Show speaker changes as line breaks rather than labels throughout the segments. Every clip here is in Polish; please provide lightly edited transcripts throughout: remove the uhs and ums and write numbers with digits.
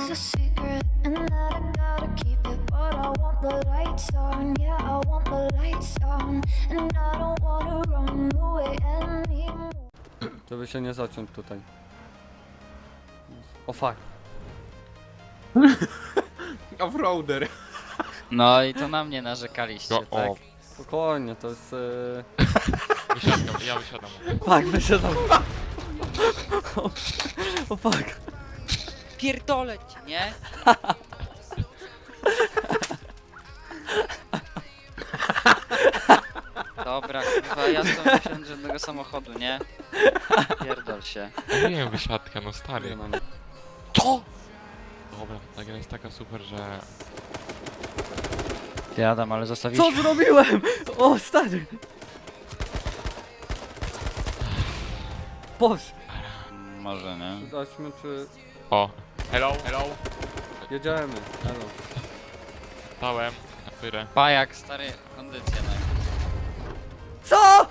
is a secret and that I gotta keep it, but I want the lights on, yeah, I want the lights on, and I don't wanna run away anymore.
Żeby się nie zaciąć tutaj. O fuck.
Offroader.
No i to na mnie narzekaliście,
No,
tak?
o,
Spokojnie, to jest...
wysiadam, ja wysiadam.
Fuck, wysiadam. O fuck.
Pierdolę ci, nie? Dobra, chyba ja stąd nie wsiądę żadnego samochodu, nie? Pierdol się.
Nie wiem, wysiadka, no stary.
Nie mam.
To! Dobra, ta gra jest taka super, że...
Ty Adam, ale zostawiliśmy...
Co zrobiłem? O stary. Boż.
Może, nie?
Zobaczmy czy...
O! Hello, hello!
Jedziemy. Hello.
Stałem na pyrę.
Pajak, stary, kondycję, no.
Co?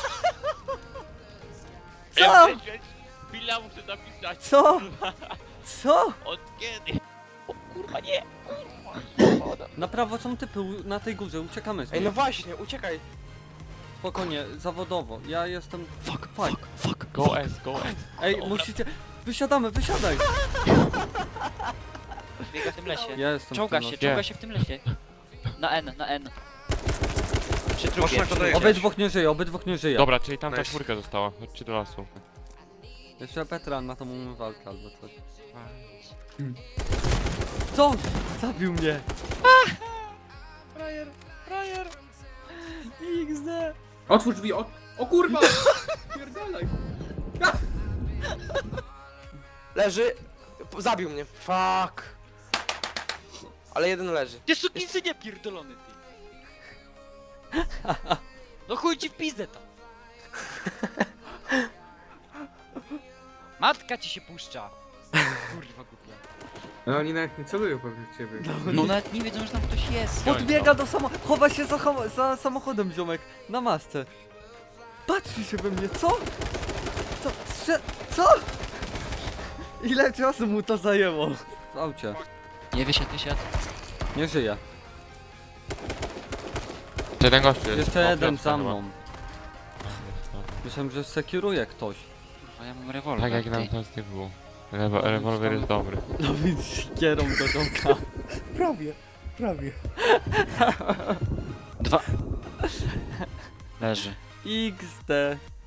Co?
Chwila, muszę napisać.
Co? Co?
Od kiedy? O kurwa, nie!
Na prawo są typy na tej górze, uciekamy z
Ej,
niej.
no właśnie, uciekaj.
Spokojnie, zawodowo. Ja jestem... Fuck.
Go S, go S.
Ej,
Dobra.
musicie... Wysiadamy, wysiadaj!
Biega w tym lesie.
Ja jestem
Czołga
w tym
się,
locie.
czołga się w tym lesie. Na N, na N. Przy trupie,
Można
przy
go
trupie.
dojeżdżać.
Obydwóch nie żyje, obydwóch nie żyje.
Dobra, czyli tamta
Nice.
czwórka została. Chodźcie do lasu.
Jeszcze Petra na tą umywalkę albo coś. Co? Zabił mnie!
Frajer. XD.
Otwórz drzwi, o kurwa! Pierdalaj!
Leży. Zabił mnie. Fuck. Ale jeden leży.
Ty sukinsynie pierdolony, ty. No chuj ci w pizdę tam. Matka ci się puszcza. Kurwa głupia.
No oni nawet nie celują pewnie w ciebie.
No nawet nie wiedzą, że tam ktoś jest.
Podbiega do samochodu, chowa się za samochodem, ziomek. Na masce. Patrzy się we mnie, co? Co? Co? Ile czasu mu to zajęło? W aucie.
Nie wysiadł.
Nie żyje.
Jeden gościu jest.
Jeszcze
O,
jeden
Piotrka
za
chyba.
mną. Myślałem, że sekuruje ktoś.
Kurwa, ja mam rewolwer.
Tak jak
ty.
nam ten typ był. Rewolwer jest dobry.
No więc sikierą do domka.
Prawie.
Dwa. Leży.
XD.